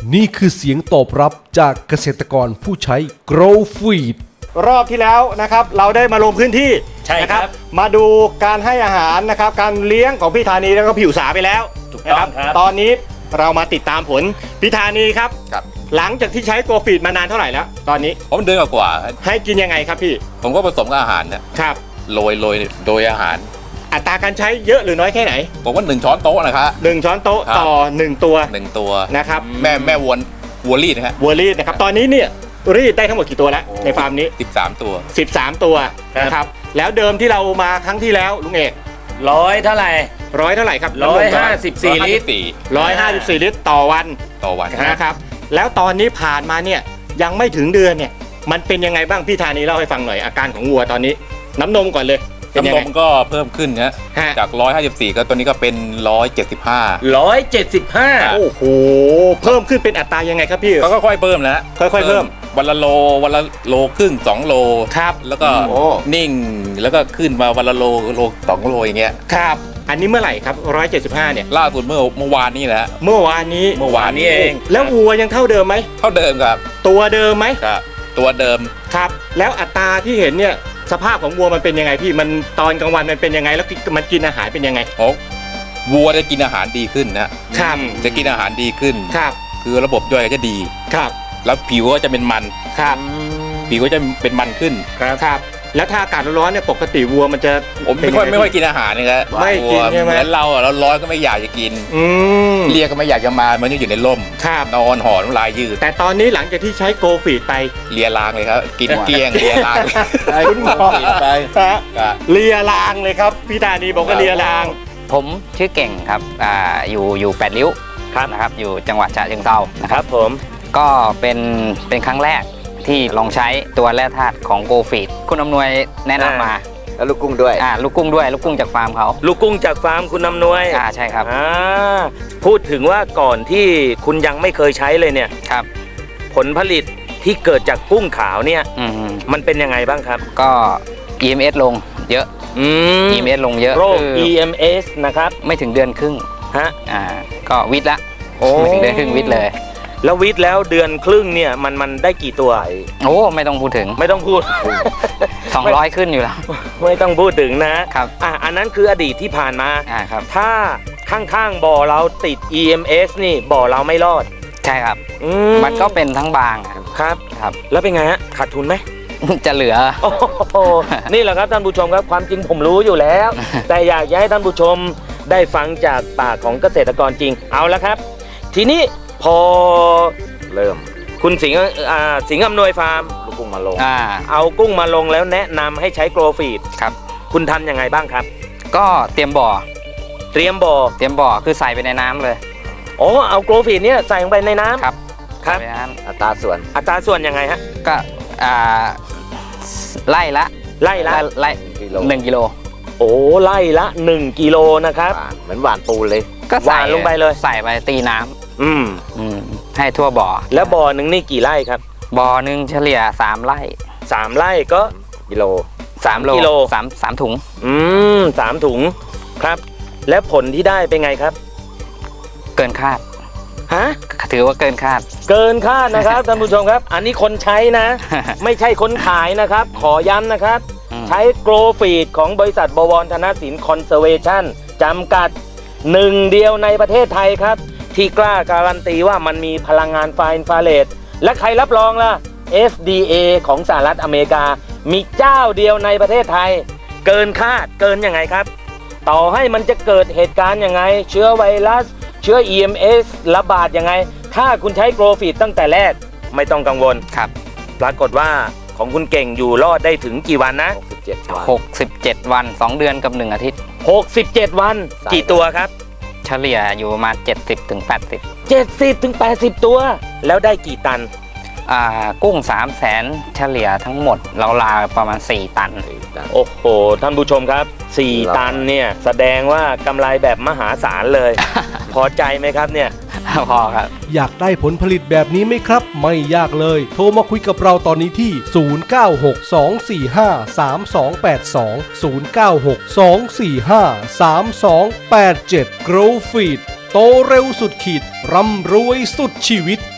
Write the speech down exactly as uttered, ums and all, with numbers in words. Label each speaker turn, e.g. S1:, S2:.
S1: นี่คือเสียงตอบรับจากเกษตรกรผู้ใช้ Grow Feed
S2: รอบที่แล้วนะครับเราได้มาลงพื้นที่
S3: ใช่ครับ
S2: นะมาดูการให้อาหารนะครับการเลี้ยงของพี่ธานีแล้วก็พี่อุษาไปแล้ว
S3: ถูกต้อง
S2: นะครับ ตอนนี้เรามาติดตามผลพี่ธานีครับ
S4: ครับ
S2: หลังจากที่ใช้โกฟีดมานานเท่าไหร่แล้ว ตอนนี้
S4: ผมเดือนกว่า
S2: ให้กินยังไงครับพี่
S4: ๆผมก็ผสมกับอาหารนะครับ โรยโรยโดยอาหาร
S2: อัตราการใช้เยอะหรือน้อยแค่ไหน
S4: ผมว่าหนึ่งช้อนโต๊ะนะครับ
S2: หนึ่งช้อนโต๊ะ
S4: ครับ
S2: ต่อหนึ่งตัว
S4: หนึ่งตัว
S2: นะครับ
S4: แม่แม่วัววัวรีดนะฮะ
S2: วัวรีดนะครับตอนนี้เนี่ยรีดได้ทั้งหมดกี่ตัวแล้วในฟาร์มนี้
S4: สิบสามตัว
S2: สิบสามตัวนะครับแล้วเดิมที่เรามาครั้งที่แล้วลุงเอก
S3: ร้อยเท่าไหร่
S2: ร้อยเท่าไหร่ครับ
S3: ร้อยห้าสิบสี่ลิตร
S2: ร้อยห้าสิบสี่ลิตรต่อวัน
S4: ต่อวัน
S2: นะครับแล้วตอนนี้ผ่านมาเนี่ยยังไม่ถึงเดือนเนี่ยมันเป็นยังไงบ้างพี่ธานีเล่าให้ฟังหน่อยอาการของวัวตอนนี้ น้ำนมก่อนเลยเป็นยัง
S4: น้ำน
S2: ไง
S4: มก็เพิ่มขึ้นฮะ
S2: ฮะ
S4: จากร้อยห้าสิบสี่ก็ตัวนี้ก็เป็นร้อยเจ็ดสิบห้า
S3: ร้อยเจ็ดสิบห้า
S2: โอ้โหเพิ่มขึ้นเป็นอัตรายังไงครับพี่
S4: ก็ค่อยๆเพิ่มนะฮะ
S2: ค่อยๆเพิ่ม
S4: วันละโลวันละโลครึ่งสองโล
S2: ครับ
S4: แล้วก็
S2: โอ้
S4: นิ่งแล้วก็ขึ้นมาวันละโลโลสองโลอย่างเงี้ย
S2: ครับอันนี้เมื่อไหร่ครับร้อยเจ็ดสิบห้าเนี่ย
S4: ล่าสุดเมื่อเมื่อวานนี้แหละ
S2: เมื่อวานนี้
S4: เมื่อวานนี้เอง
S2: แล้ววัวยังเท่าเดิมไหม
S4: เท่าเดิมครับ
S2: ตัวเดิมไหม
S4: ครับตัวเดิม
S2: ครับแล้วอัตราที่เห็นเนี่ยสภาพของวัวมันเป็นยังไงพี่มันตอนกลางวันมันเป็นยังไงแล้วมันกินอาหารเป็นยังไง
S4: โอ้วัวจะกินอาหารดีขึ้นนะครับ จะกินอาหารดีขึ้น
S2: ครับ
S4: คือระบบย่อยก็จะดี
S2: ครับ
S4: แล้วผิวก็จะเป็นมัน
S2: ครับ
S4: ผิวก็จะเป็นมันขึ้น
S2: ครับแล้วถ้าอากาศร้อนๆเนี่ยปกติวัวมันจะ
S4: ผมไม่ค่อยไม่ค่อยกินอาหารเลยครับ
S2: ไม่กินใช่ไหม
S4: เหมือนเราอะเราร้อนก็ไม่อยากจะกิน
S2: อืม
S4: เรียกก็ไม่อยากจะมามันอยู่ในร่ม
S2: ครับ
S4: นอนหอนน้ำลายยืด
S2: แต่ตอนนี้หลังจากที่ใช้โกฟีดไป
S4: เลียลางเลยครับ กินเกลี้ยงเลียลาง
S2: คุณหมอ
S4: กินไป
S2: ฮะ
S4: ครับ
S2: เลียรางเลยครับพี่ธานีบอกว่าเลียราง
S5: ผมชื่อเก่งครับอ่าอยู่อยู่แปดริ้วครับนะครับอยู่จังหวัดฉะเชิงเทรานะ
S3: ค
S5: ค
S3: รั
S5: รั
S3: บบ ผม
S5: ก็เป็นเป็นครั้งแรกที่ลองใช้ตัวแร่ธาตุของโกฟีดคุณอำนวยแนะนำมา
S6: แล้วลูกกุ้งด้วย
S5: อ่าลูกกุ้งด้วยลูกกุ้งจากฟาร์มเขา
S3: ลูกกุ้งจากฟาร์มคุณอำนวย
S5: อ่าใช่ครับ
S3: อ่าพูดถึงว่าก่อนที่คุณยังไม่เคยใช้เลยเนี่ย
S5: ครับ
S3: ผลผลิตที่เกิดจากกุ้งขาวเนี่ย
S5: อืม
S3: มันเป็นยังไงบ้างครับ
S5: ก็ อี เอ็ม เอส ลงเยอะ
S3: อืม
S5: อี เอ็ม เอส ลงเยอะ
S3: โรค
S5: คือ
S3: อี เอ็ม เอส นะครับ
S5: ไม่ถึงเดือนครึ่ง
S3: ฮะ
S5: อ่าก็วิทย์ละ
S3: โอ้
S5: ไม่ถึงเดือนครึ่งวิทย์เลย
S3: แล้ววิทย์แล้วเดือนครึ่งเนี่ยมันมันได้กี่ตัว
S5: โอ้ไม่ต้องพูดถึง
S3: ไม่ต้องพูด
S5: สองร้อยขึ้นอยู่แล้ว
S3: ไม่ต้องพูดถึงนะครับ อ่ะอันนั้นคืออดีตที่ผ่านมา
S5: อ่าครับ
S3: ถ้าข้างๆบ่อเราติด อี เอ็ม เอส นี่บ่อเราไม่รอด
S5: ใช่ครับ
S3: อื
S5: มันก็เป็นทั้งบางอะ
S3: ครับ
S5: ครับ
S3: แล้วเป็นไงฮะขาดทุนไหม
S5: จะเหลือ
S3: โอ้โหนี่แหละครับท่านผู้ชมครับความจริงผมรู้อยู่แล้ว แต่อยากจะให้ท่านผู้ชมได้ฟังจากปากของเกษตรกรจริงเอาละครับ ทีนี้พอ
S6: เริ่ม
S3: คุณสิงห์อ่าสิงห์อำนวยฟาร์ม
S6: ลูกกุ้งมาลง
S5: อ่า
S3: เอากุ้งมาลงแล้วแนะนำให้ใช้โกลฟีด
S5: ครับ
S3: คุณทำยังไงบ้างครับ
S5: ก็เตรียมบ่อ
S3: เตรียมบ่อ
S5: เตรียมบ่อคือใส่ไปในน้ำเลย
S3: อ๋อเอาโกลฟีดเนี่ยใส่ลงไปในน้ำ
S5: ครับ
S3: ครับ
S5: ใส่ไปในน้
S6: อัตราส่วน
S3: อัตราส่วนยังไงฮะ
S5: ำก็อ่าไล่ละ
S3: ไล่ละ
S5: ไล่
S6: กิโล
S5: หนึ่งกิโล
S3: โอ้ไล่ละหนึ่งกิโลนะครับ
S6: หวานเหมือนหวานปูนเลย
S5: ก็ใส่
S3: หวานลงไปเลย
S5: ใส่ไปตีน้ำ
S3: อืม
S5: อืมให้ทั่วบ่อ
S3: แล้วบ่อหนึ่งนี่กี่ไร่ครับ
S5: บ่อหนึ่งเฉลี่ยสามไร่
S3: สามไร่ก็
S6: กิโล
S5: สามโล
S3: กิโล
S5: สามสามถุง
S3: อืมสามถุงครับ และผลที่ได้เป็นไงครับ
S5: เกินคาด
S3: ฮะ
S5: ถือว่าเกินคาด
S3: เกินคาดนะครับ ท่านผู้ชมครับ อันนี้คนใช้นะ ไม่ใช่คนขายนะครับ ขอย้ำนะครับ
S5: อืม
S3: ใช้โกลฟีดของบริษัทบวรธนสินคอนเซอร์เวชั่นจำกัดหนึ่งเดียวในประเทศไทยครับ ที่กล้าการันตีว่ามันมีพลังงานไฟอินฟราเรดและใครรับรองล่ะ เอฟ ดี เอ ของสหรัฐอเมริกา มีเจ้าเดียวในประเทศไทย เกินคาดเกินยังไงครับ ต่อให้มันจะเกิดเหตุการณ์ยังไง เชื้อไวรัส เชื้อ อี เอ็ม เอส ระบาดยังไง ถ้าคุณใช้โกลฟีดตั้งแต่แรกไม่ต้องกังวล
S5: ครับ
S3: ปรากฏว่าของคุณเก่งอยู่รอดได้ถึงกี่วันนะ
S6: หกสิบเจ็ดวัน
S5: หกสิบเจ็ดวันสองเดือนกับหนึ่งอาทิตย์
S3: หกสิบเจ็ดวัน
S6: ใส่
S3: กี่ตัวครับ
S5: เฉลี่ยอยู่ประมาณเจ็ดสิบถึงแปดสิบ
S3: เจ็ดสิบถึงแปดสิบตัว แล้วได้กี่ตัน
S5: อ่ากุ้งสามแสนเฉลี่ยทั้งหมดเราลาประมาณสี่ตัน
S3: โอ้โห ท่านผู้ชมครับ สี่
S6: ครับ
S3: ตันเนี่ยแสดงว่ากำไรแบบมหาศาลเลย พอใจไหมครับเนี่ย
S5: พอครับ
S1: อยากได้ผลผลิตแบบนี้ไหมครับ ไม่ยากเลย โทรมาคุยกับเราตอนนี้ที่ ศูนย์ เก้า หก สอง สี่ ห้า สาม สอง แปด สอง ศูนย์ เก้า หก สอง สี่ ห้า สาม สอง แปด เจ็ด Grow Feed โตเร็วสุดขีดร่ำรวยสุดชีวิต